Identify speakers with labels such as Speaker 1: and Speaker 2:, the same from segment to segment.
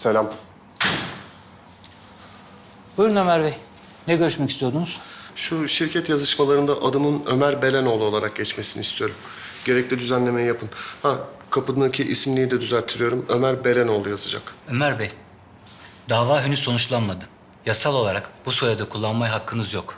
Speaker 1: Selam.
Speaker 2: Buyurun Ömer Bey. Ne görüşmek istiyordunuz?
Speaker 1: Şu şirket yazışmalarında adımın Ömer Belenoğlu olarak geçmesini istiyorum. Gerekli düzenlemeyi yapın. Ha, kapıdaki isimliği de düzelttiriyorum. Ömer Belenoğlu yazacak.
Speaker 2: Ömer Bey, dava henüz sonuçlanmadı. Yasal olarak bu soyadı kullanmaya hakkınız yok.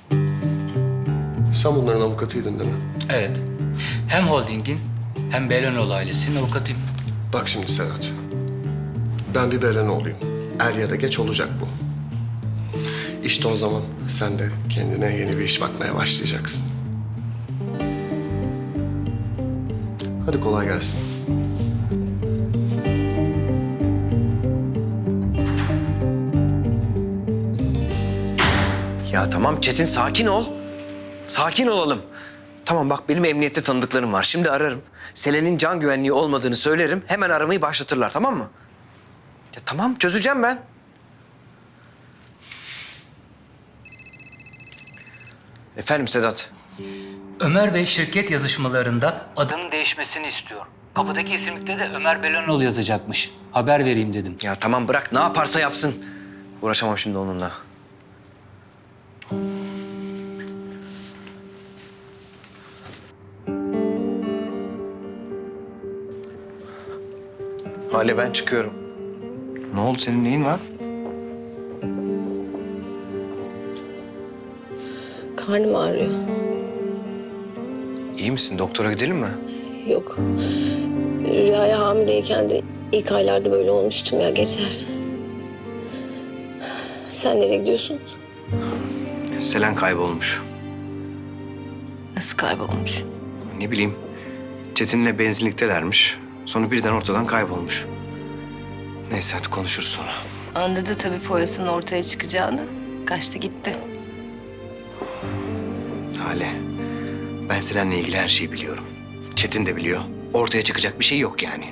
Speaker 1: Sen bunların avukatıydın değil mi?
Speaker 2: Evet. Hem holdingin hem Belenoğlu ailesinin avukatıyım.
Speaker 1: Bak şimdi Sedat. Ben bir Belenoğlu'yum. Er ya da geç olacak bu. İşte o zaman sen de kendine yeni bir iş bakmaya başlayacaksın. Hadi kolay gelsin.
Speaker 3: Ya tamam Çetin, sakin ol. Sakin olalım. Tamam bak, benim emniyette tanıdıklarım var. Şimdi ararım. Selen'in can güvenliği olmadığını söylerim. Hemen aramayı başlatırlar, tamam mı? Ya tamam, çözeceğim ben. Efendim Sedat.
Speaker 2: Ömer Bey şirket yazışmalarında adının değişmesini istiyor. Kapıdaki isimlikte de Ömer Belenoğlu yazacakmış. Haber vereyim dedim.
Speaker 3: Ya tamam bırak, ne yaparsa yapsın. Uğraşamam şimdi onunla. Hale, ben çıkıyorum. Ne oldu, senin neyin var?
Speaker 4: Karnım ağrıyor.
Speaker 3: İyi misin? Doktora gidelim mi?
Speaker 4: Yok. Rüyaya hamileyken de ilk aylarda böyle olmuştum ya, geçer. Sen nereye gidiyorsun?
Speaker 3: Selen kaybolmuş.
Speaker 4: Nasıl kaybolmuş?
Speaker 3: Ne bileyim, Çetin'le benzinliktelermiş. Sonra birden ortadan kaybolmuş. Neyse, hadi konuşuruz sonra.
Speaker 4: Anladı tabii foyasının ortaya çıkacağını. Kaçtı gitti.
Speaker 3: Hale, ben Selen'le ilgili her şeyi biliyorum. Çetin de biliyor. Ortaya çıkacak bir şey yok yani.